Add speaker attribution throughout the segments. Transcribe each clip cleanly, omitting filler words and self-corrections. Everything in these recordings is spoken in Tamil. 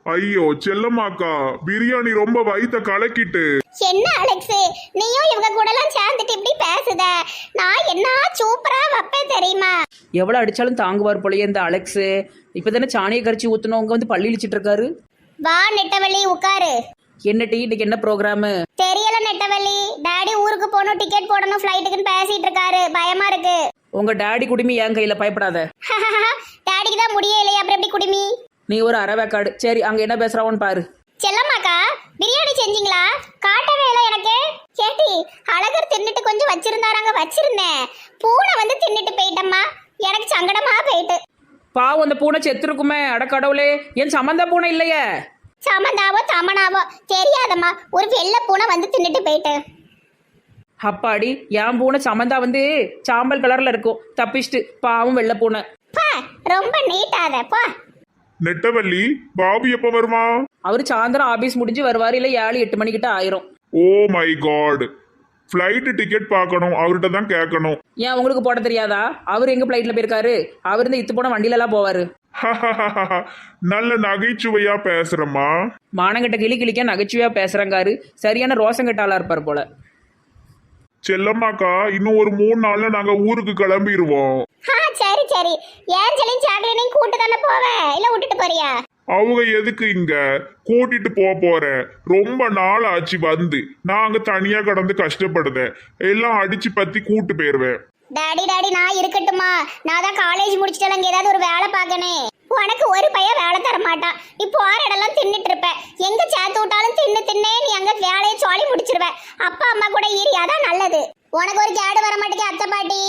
Speaker 1: ஐயோ செல்லம்மாக்கா, பிரியாணி ரொம்ப வயித்த கலக்கிட்டு.
Speaker 2: என்ன அலெக்ஸ், நீயும் இவங்க கூட எல்லாம் சேர்ந்துட்டு இப்படி பேசுத? நான் என்ன சூப்பரா வைப்பேன் தெரியுமா?
Speaker 3: எவ்வளோ அடிச்சாலும் தாங்குவார் போலயே இந்த அலெக்ஸு. இப்போ தானே சாணியை கரைச்சி ஊற்றணும், வந்து பள்ளி இழிச்சிட்டு இருக்காரு.
Speaker 2: வா நெட்டவள்ளி உட்காரு.
Speaker 3: என்ன டீ, இன்னைக்கு என்ன ப்ரோக்ராமு?
Speaker 2: தெரியல நெட்டவள்ளி, டாடி ஊருக்கு போகணும், டிக்கெட் போடணும், ஃப்ளைட்டுக்குன்னு பேசிட்டு இருக்காரு, பயமா இருக்கு.
Speaker 3: உங்க டாடி குடுமி என் கையில, பயப்படாத.
Speaker 2: டாடிக்கு தான் முடியலையே, அப்புறம் எப்படி குடுமி?
Speaker 3: நீ ஒரு அரவேக்காடு. சரி, அங்க என்ன பேசுறாவோன்னு பாரு.
Speaker 2: செல்லம்மாக்கா, பிரியாணி செஞ்சீங்களா? காட்டவே இல்லை எனக்கு. கேட்டி, அழகர் தின்னுட்டு கொஞ்சம் வச்சிருந்தாராங்க, வச்சிருந்தேன். பூனை வந்து தின்னுட்டு போயிட்டம்மா, எனக்கு சங்கடமா போயிட்டு.
Speaker 3: பாவம், அந்த பூனை செத்துருக்குமே. அடக்கடவுளே, என் சம்மந்தா பூனை இல்லையே.
Speaker 2: சமந்தாவோ தமனாவோ தெரியாதம்மா, ஒரு வெள்ளை பூனை வந்து தின்னுட்டு போயிட்டு.
Speaker 3: அப்பாடி, என் பூனை சமந்தா வந்து சாம்பல் கலர்ல இருக்கும், தப்பிச்சுட்டு. பாவம் வெள்ளை பூனை.
Speaker 2: பா, ரொம்ப நீட்டாத பா.
Speaker 1: நெட்டவள்ளி, பாபு எப்ப வருமா?
Speaker 3: அவரு சாயந்தரம் ஆபீஸ் முடிஞ்சு வருவாரு, இல்ல 7-8 மணிக்கிட்ட ஆயிரும்.
Speaker 1: Oh my god, flight ticket பார்க்கணும், அவர்கிட்ட தான் கேட்கணும்.
Speaker 3: ஏன் உங்களுக்கு போட தெரியாதா? அவர் எங்க பிளைட்ல போயிருக்காரு? அவர் இந்த இத்து போன வண்டியில எல்லாம் போவாரு.
Speaker 1: நல்ல நகைச்சுவையா பேசுறமா.
Speaker 3: மானங்கிட்ட கிளிக்க நகைச்சுவையா பேசுறங்காரு. சரியான ரோசங்கட்ட ஆளா இருப்பார் போல.
Speaker 1: செல்லம்மாக்கா, இன்னும் ஒரு 3 நாள்ல நாங்க ஊருக்கு கிளம்பிடுவோம்.
Speaker 2: சரி சரி, ஏஞ்சலின் சாக்லேனையும் கூட்டு தானே போவேன், இல்ல விட்டுட்டு போறியா?
Speaker 1: அவங்க எதுக்கு இங்க கூட்டிட்டு போறேன்? ரொம்ப நாள் ஆச்சு வந்து, நாங்க தனியா கடந்து கஷ்டப்படுதேன். எல்லாம் அடிச்சு பத்தி கூட்டு போயிருவேன்.
Speaker 2: டாடி டாடி, நான் இருக்கட்டுமா? நான் தான் காலேஜ் முடிச்சிட்டு அங்க ஏதாவது ஒரு வேலை பார்க்கனே. உனக்கு ஒரு பையன் வேலை தர மாட்டான். நீ போற இடம்லாம் தின்னுட்டு இருப்ப. எங்க சேர்த்து விட்டாலும் தின்னே நீ அங்க வேலையை சொல்லி முடிச்சிருவ. அப்பா அம்மா கூட ஈரி, அதான் நல்லது. உனக்கு ஒரு கேடு வர மாட்டேங்க அத்தை பாட்டி.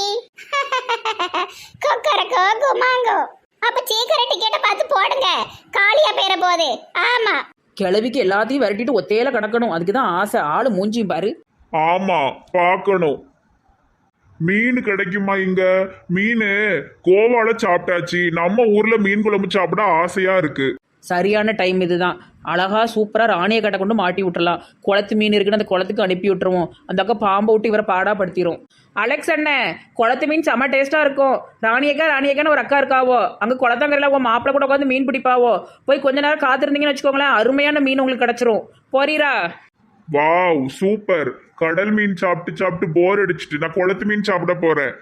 Speaker 2: கொக்கரக்கோ குமாங்கோ. அப்ப சீக்கிரம் டிக்கெட்டை பார்த்து போடுங்க, காலியா பேர போகுது. ஆமா,
Speaker 3: கிளவிக்கு எல்லாத்தையும் விரட்டிட்டு ஒத்தையில கிடக்கணும், அதுக்குதான் ஆசை. ஆளு மூஞ்சியும் பாரு.
Speaker 1: ஆமா, பார்க்கணும். மீன் கிடைக்குமா இங்க? மீன் கோவால சாப்பிட்டாச்சு. நம்ம ஊர்ல மீன் குழம்பு சாப்பிட ஆசையா இருக்கு.
Speaker 3: சரியான டைம் இதுதான். அழகா சூப்பரா ராணியை கட்ட கொண்டு மாட்டி விட்டுறலாம். குளத்து மீன் இருக்குன்னு அந்த குளத்துக்கு அனுப்பி விட்டுருவோம். அந்த அக்கா பாம்பை விட்டு இவரை பாடாப்படுத்திடும். அலெக்ஸ் அண்ணன், குளத்து மீன் செம்ம டேஸ்டா இருக்கும். ராணியக்கான்னு ஒரு அக்கா இருக்காவோ, அங்க குளத்தங்கரையில உங்க மாப்பிள்ள கூட உட்காந்து மீன் பிடிப்பாவோ. போய் கொஞ்ச நேரம் காத்திருந்தீங்கன்னு வச்சுக்கோங்களேன், அருமையான மீன் உங்களுக்கு கிடைச்சிரும். போறீரா?
Speaker 1: Wow, super. கடல் மீன் சாப்பிட்டு சாப்பிட்டு போர் அடிச்சிட்டு நான் குளத்து மீன் சாப்பிட போறேன்.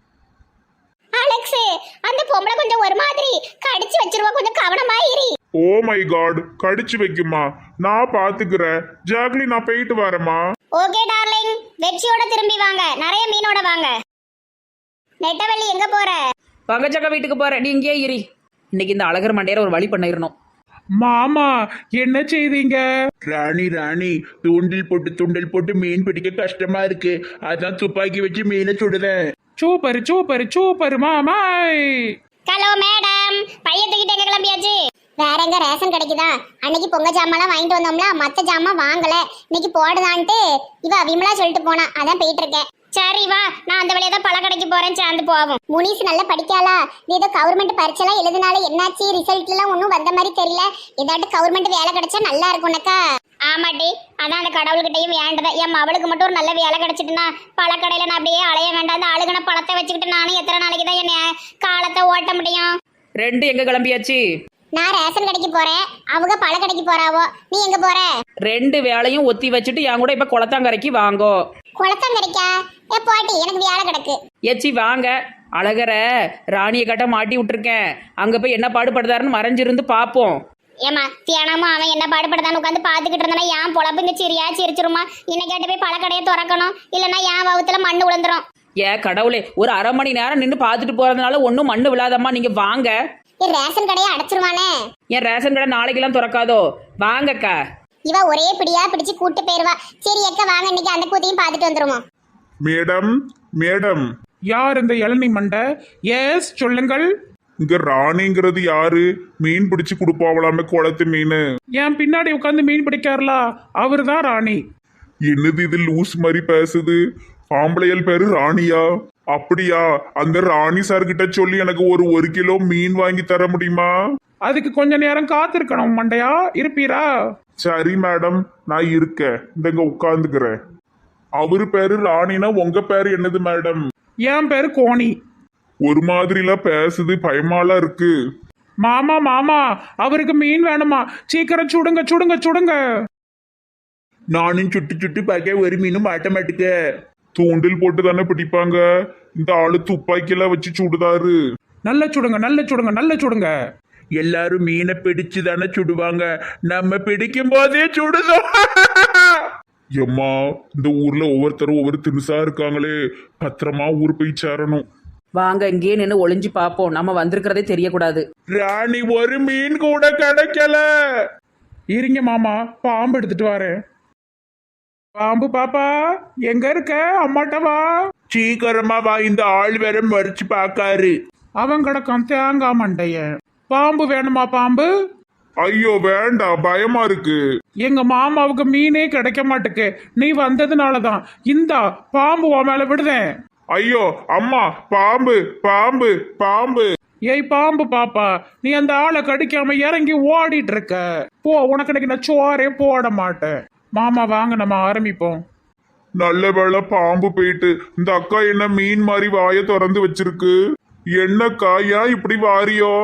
Speaker 2: அலெக்ஸ், அந்த பொம்பளை கொஞ்சம் ஒரு மாதிரி கடிச்சு வச்சிருவா, கொஞ்சம் கவனமா இரு.
Speaker 1: ஓ மை காட், கடிச்சு வைக்குமா? நான் பாத்துக்கிறேன். ஜாக்லி, நான் போயிட்டு வரேம்மா.
Speaker 2: ஓகே டார்லிங், வெற்றியோட திரும்பி வாங்க, நிறைய மீனோட வாங்க. நெட்டவள்ளி எங்க போற?
Speaker 3: பங்கச்சக்கா வீட்டுக்கு போறேன், நீ இங்கேயே இரு. இன்னைக்கு இந்த அழகர் மண்டையில ஒரு வழி பண்ணிடணும்.
Speaker 4: மாமா, என்ன செய்தீங்க? ராணி தூண்டில் போட்டு மீன் பிடிக்க கஷ்டமா இருக்கு, அதான் துப்பாக்கி வச்சு மீனை சுடுதேன். சூப்பர் மாமாய்.
Speaker 2: ஹலோ மேடம், பையன் தூக்கிட்டு எங்க கிளம்பியாச்சு? வேற எங்க ரேஷன் கிடைக்குதா? அன்னைக்கு பொங்க ஜாமான்லாம் வாங்கிட்டு வந்தோம்ல, மத்த ஜாமான் வாங்கல, இன்னைக்கு போடுதான்ட்டு இவ விமலா சொல்லிட்டு போனா, அதான் போயிட்டு இருக்கேன். சரி வா, நான் அந்த வழியா தான் பழக்கடைக்கு போறேன், சேர்ந்து போவோம். முனிஸ் நல்லா படிக்காளா? நீ ஏதோ கவர்மெண்ட் பரீட்சைலாம் எழுதினால என்னாச்சு? ரிசல்ட் எல்லாம் ஒன்றும் வந்த மாதிரி தெரியல. ஏதாட்டு கவர்மெண்ட் வேலை கிடைச்சா நல்லா இருக்கும்னக்கா. ஆமாட்டி, அதான் அந்த கடவுள்கிட்டையும் வேண்டதான். என் அவளுக்கு மட்டும் ஒரு நல்ல வேலை கிடைச்சிட்டுனா பழக்கடையில நான் அப்படியே அலைய வேண்டாம். அந்த அழுகன பழத்தை வச்சுக்கிட்டு நானும் எத்தனை நாளைக்கு தான் என்ன காலத்தை ஓட்ட முடியும்?
Speaker 3: 2 எங்க கிளம்பியாச்சு?
Speaker 2: நான் ரேஷன் கடைக்கு போறேன், அவங்க பழ கடைக்கு போறாவோ. நீ எங்க போற?
Speaker 3: 2 வேலையும் ஒத்தி வச்சுட்டு என் கூட இப்ப குளத்தாங்கரைக்கு வாங்கோ.
Speaker 2: குளத்தாங்கரைக்கா? ஏ போட்டி, எனக்கு வேலை கிடக்கு.
Speaker 3: ஏச்சி வாங்க. அழகரை ராணியை கட்ட மாட்டி விட்டுருக்கேன், அங்க போய் என்ன பாடுபடுதாருன்னு மறைஞ்சிருந்து பாப்போம்.
Speaker 2: ஏமா தியானமா அவன் என்ன பாடுபடுதான்னு உட்காந்து பாத்துக்கிட்டு இருந்தா என் பொழப்புங்க சிரிச்சிருமா. இன்னைக்கு கேட்டு போய் பழ கடையை திறக்கணும், இல்லைன்னா என் வகுத்துல மண்ணு விழுந்துரும்.
Speaker 3: கடவுளே, ஒரு அரை மணி நேரம் நின்று பார்த்துட்டு போறதுனால ஒன்றும் மண்ணு விழாதம்மா, நீங்க வாங்க.
Speaker 2: ரேஷன் கடையை அடைச்சிருவானே.
Speaker 3: என் ரேஷன் கடை நாளைக்கெல்லாம் திறக்காதோ, வாங்கக்கா.
Speaker 2: இவ ஒரே பிடியா பிடிச்சு கூட்டு போயிருவா. சரி அக்கா வாங்க, இன்னைக்கு அந்த கூத்தையும் பார்த்துட்டு வந்துருமா.
Speaker 1: மேடம்,
Speaker 4: யார் இந்த இளநீ மண்டை? எஸ், சொல்லுங்கள்.
Speaker 1: இங்க ராணிங்கிறது யாரு? மீன் பிடிச்சு கொடுப்பாவலாமே குளத்து மீன்.
Speaker 4: என் பின்னாடி உட்காந்து மீன் பிடிக்காருலா, அவரு தான் ராணி.
Speaker 1: என்னது இது லூஸ் மாதிரி பேசுது? ஆம்பளையல் பேரு ராணியா? அப்படியா? அந்த ராணி சார் கிட்ட சொல்லி எனக்கு ஒரு 1 கிலோ மீன் வாங்கி தர முடியுமா?
Speaker 4: அதுக்கு கொஞ்ச நேரம் காத்திருக்கணும் மண்டையா, இருப்பீரா?
Speaker 1: சரி மேடம், நான் இருக்கேன், இங்க உட்கார்ந்துக்கிறேன். அவரு பேரு ராணினா உங்க பேரு என்னது மேடம்?
Speaker 4: என் பேரு கோணி.
Speaker 1: ஒரு மாதிரிலாம் பேசுது, பயமாலாம் இருக்கு.
Speaker 4: மாமா மாமா அவருக்கு மீன் வேணுமா, சீக்கிரம் சுடுங்க சுடுங்க சுடுங்க.
Speaker 1: நானும் சுட்டு சுட்டு பார்க்க ஒரு மீனும் மாட்ட மாட்டுக்க. தூண்டில் போட்டு தானே பிடிப்பாங்க, இந்த ஆளு துப்பாக்கியெல்லாம் வச்சு சுடுதாரு.
Speaker 4: நல்ல சுடுங்க நல்ல சுடுங்க நல்ல சுடுங்க.
Speaker 1: எல்லாரும் மீனை பிடிச்சு தானே சுடுவாங்க, நம்ம பிடிக்கும் போதே சுடுதோம். எம்மா, இந்த ஊர்ல ஒவ்வொருத்தரும் ஒவ்வொரு தினுசா இருக்காங்களே, பத்திரமா ஊர் போய் சேரணும்.
Speaker 3: வாங்க இங்கேயே நின்று ஒளிஞ்சு பார்ப்போம், நம்ம வந்திருக்கிறதே தெரியக்கூடாது.
Speaker 1: ராணி ஒரு மீன் கூட கிடைக்கல.
Speaker 4: இருங்க மாமா, பாம்பு எடுத்துட்டு வரேன். பாம்பு பாப்பா எங்க இருக்க, அம்மாட்ட வா.
Speaker 1: சீக்கிரமா வா, இந்த ஆள் வேற மறிச்சு பாக்காரு.
Speaker 4: அவன் கிடக்கான் தேங்காய் மண்டைய. பாம்பு வேணுமா பாம்பு?
Speaker 1: ஐயோ வேண்டாம், பயமா இருக்கு.
Speaker 4: எங்க மாமாவுக்கு மீனே கிடைக்க மாட்டுக்கு, நீ வந்ததுனாலதான். இந்தா பாம்பு உன் மேல விடுதேன்.
Speaker 1: ஐயோ அம்மா, பாம்பு பாம்பு பாம்பு.
Speaker 4: ஏய் பாம்பு பாப்பா, நீ அந்த ஆளை கடிக்காம இறங்கி ஓடிட்டு இருக்க. போ, உனக்கு இன்னைக்கு நான் சோறே போட மாட்டேன். மாமா வாங்க நம்ம ஆரம்பிப்போம்.
Speaker 1: நல்ல வேளை பாம்பு போயிட்டு. இந்த அக்கா என்ன மீன் மாதிரி வாயை திறந்து வச்சிருக்கு. என்னக்கா ஏன் இப்படி வாரியோ?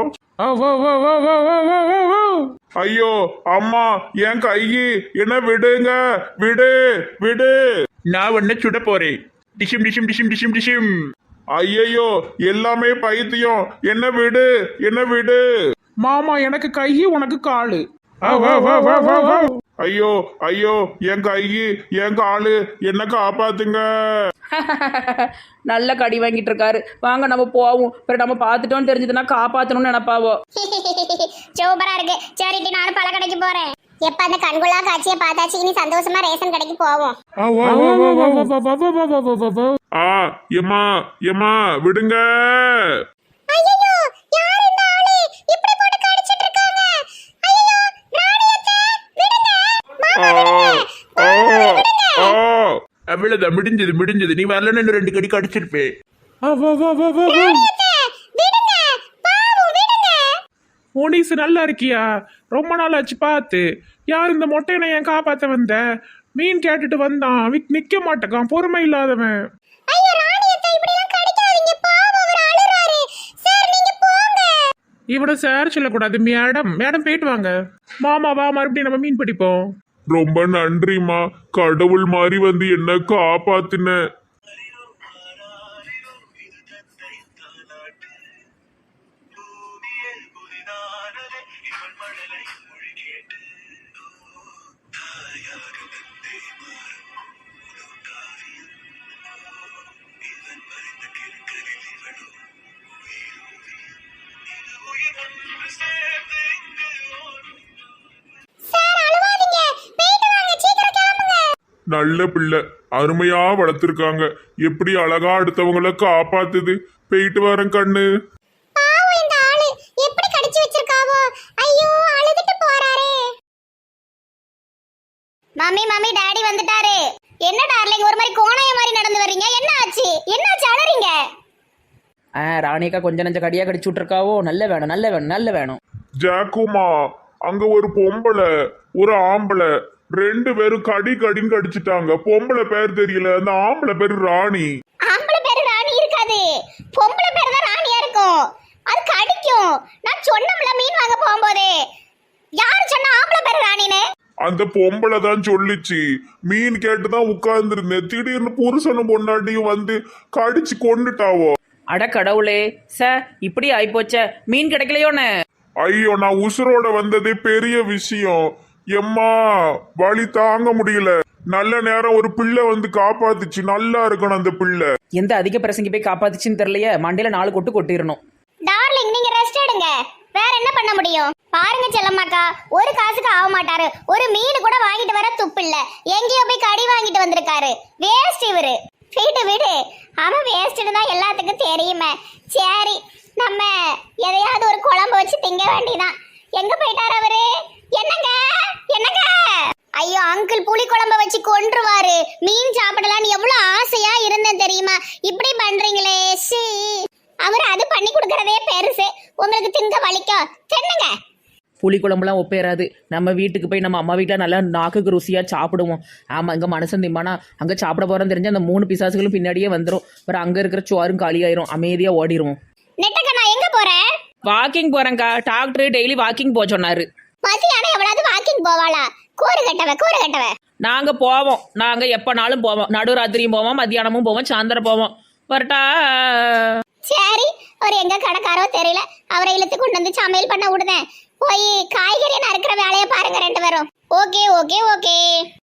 Speaker 1: ஐயோ அம்மா, என் கையி என்ன விடுங்க, விடு விடு. நான் உன்ன சுட போறேன். டிஷிம் டிஷிம் டிஷிம் டிஷிம் டிஷிம். ஐயோ எல்லாமே பைத்தியம், என்ன விடு என்ன விடு.
Speaker 4: மாமா எனக்கு கை உனக்கு காலு.
Speaker 1: ஐயோ ஐயோ, என் கையி என் காலு, என்ன காப்பாத்துங்க.
Speaker 3: நல்ல கடி வாங்கிட்டு இருக்காரு. வாங்க நம்ம போவோம். பிறகு நம்ம பார்த்துட்டோம்னு தெரிஞ்சதுன்னா காப்பாற்றணும்னு நினைப்பாவோ.
Speaker 2: சூப்பரா இருக்கு. சரிட்டி, நானும் பல கடைக்கு போறேன். எப்ப அந்த கண்குள்ளா காட்சியை பார்த்தாச்சு, இனி சந்தோஷமா ரேஷன் கடைக்கு போவோம்.
Speaker 1: ஆ எம்மா எம்மா விடுங்க.
Speaker 2: ஐயோ, யார் இந்த ஆளு இப்படி போட்டு கடிச்சிட்டு இருக்காங்க? ஐயோ, ராணியத்தை விடுங்க.
Speaker 1: அவ்வளவுதான், முடிஞ்சது முடிஞ்சது. நீ வரலன்னு இன்னும் 2 கடி கடிச்சிருப்பேன்.
Speaker 4: போலீஸ் நல்லா இருக்கியா? ரொம்ப நாள் ஆச்சு பார்த்து. யார் இந்த மொட்டையனை ஏன் காப்பாத்த வந்த? மீன் கேட்டுட்டு வந்தான், நிக்க மாட்டேக்கான், பொறுமை இல்லாதவன்.
Speaker 2: ஐயோ, ராணியத்தை இப்படி எல்லாம் கடிக்காதீங்க, பாவம், அவர் அழுறாரு. சார் நீங்க போங்க.
Speaker 4: இவட சார் சொல்லக்கூடாது, மேடம். மேடம் போயிட்டு வாங்க. மாமா வா, மறுபடியும் நம்ம மீன் பிடிப்போம்.
Speaker 1: ரொம்ப நன்றிமா, கடவுள் மாதிரி வந்து என்ன காப்பாத்துன. நல்ல பிள்ளை, அருமையா வளர்த்துருக்காங்க. எப்படி அழகா அடுத்தவங்களை காப்பாத்துது. போயிட்டு வரேன் கண்ணு.
Speaker 2: பாவம், இந்த ஆளு எப்படி கடிச்சு வச்சிருக்காவோ. ஐயோ, அழுதுட்டு போறாரே. மம்மி மம்மி, டாடி வந்துட்டாரு. என்ன டார்லிங், ஒரு மாதிரி கோணைய மாதிரி நடந்து வர்றீங்க? என்ன ஆச்சு? என்னாச்சு அழறீங்க?
Speaker 3: ராணியக்கா கொஞ்சம் நஞ்ச கடியா கடிச்சு விட்டுருக்காவோ. நல்ல வேணும் நல்ல வேணும் நல்ல வேணும்.
Speaker 1: ஜாக்குமா, அங்க ஒரு பொம்பளை ஒரு ஆம்பளை 2 பேரும் கடி கடின்னு கடிச்சிட்டாங்க. பொம்பளை பேர் தெரியல, அந்த ஆம்பளை பேரு ராணி.
Speaker 2: ஆம்பளை பேரு ராணி இருக்காது, பொம்பளை பேரு தான் ராணியா இருக்கும். அது கடிக்கும். நான் சொன்னோம்ல மீன் வாங்க போகும்போது. யாரு சொன்னா ஆம்பளை பேரு ராணின்னு?
Speaker 1: அந்த பொம்பளை தான் சொல்லிச்சு. மீன் கேட்டுதான் உட்கார்ந்துருந்தேன், திடீர்னு புருஷனும் பொண்டாட்டியும் வந்து கடிச்சு கொண்டுட்டாவோ.
Speaker 3: அட கடவுளே, இப்படி ஆயிப்போச்ச. மீன் கிடைக்கலையோன்னு.
Speaker 1: ஐயோ, நான் உசுரோட வந்ததே பெரிய விஷயம். எம்மா, வலி தாங்க முடியல. நல்ல நேரம் ஒரு பிள்ளை வந்து காப்பாத்துச்சு. நல்லா இருக்கணும் அந்த பிள்ளை.
Speaker 3: எந்த அதிக பிரசங்கி போய் காப்பாத்துச்சுன்னு தெரியலையே. மண்டையில 4 கொட்டு கொட்டிடணும்.
Speaker 2: டார்லிங், நீங்க ரெஸ்ட் எடுங்க. வேற என்ன பண்ண முடியும்? பாருங்க செல்லம்மாக்கா, ஒரு காசுக்கு ஆக மாட்டாரு. ஒரு மீன் கூட வாங்கிட்டு வர துப்பு இல்ல. எங்கேயோ போய் கடி வாங்கிட்டு வந்திருக்காரு. வேஸ்ட் இவரு. வீட்டு வீடு அவன் வேஸ்ட்னு தான் எல்லாத்துக்கும் தெரியுமே. சரி, நம்ம எதையாவது ஒரு குழம்பு வச்சு திங்க வேண்டியதான். எங்க போயிட்டாரு அவரு? என்னங்க என்னங்க? ஐயோ அங்கிள், புளி குழம்பு வச்சு கொன்றுவாரு. மீன் சாப்பிடலான்னு எவ்வளவு ஆசையா இருந்தேன் தெரியுமா? இப்படி பண்றீங்களே. சி, அவர் அது பண்ணி கொடுக்கறதே பெருசு. உங்களுக்கு திங்க வலிக்கும். தென்னுங்க.
Speaker 3: புளி குழம்புலாம் ஒப்பேறாது. நம்ம வீட்டுக்கு போய் நம்ம அம்மா வீட்டில் நல்லா நாக்குக்கு ருசியாக சாப்பிடுவோம். ஆமாம், இங்கே மனசன் திம்பானா அங்கே சாப்பிட போகிறோன்னு தெரிஞ்சு அந்த 3 பிசாசுகளும் பின்னாடியே வந்துடும். அப்புறம் அங்கே இருக்கிற சோறும் காலியாயிரும். அமைதியாக ஓடிடுவோம்.
Speaker 2: நெட்டக்கண்ணா, எங்க போற?
Speaker 3: வாக்கிங் போறேங்க்கா, டாக்டர் டெய்லி வாக்கிங் போக சொன்னாரு.
Speaker 2: மதியானம் எவ்வளவு வாக்கிங் போவாளா? கூறு கட்டவ.
Speaker 3: நாங்க போவோம், நாங்க எப்பனாலும் போவோம். நடுராத்திரியும் போவோம், மத்தியானமும் போவோம், சாயந்தரம் போவோம். வரட்டா?
Speaker 2: சரி, அவர் எங்க கடைக்காரோ தெரியல, அவரை இழுத்து கொண்டு வந்து சமையல் பண்ண விடுதேன். போய் காய்கறி நறுக்கிற வேலையை பாருங்க 2 பேரும். ஓகே.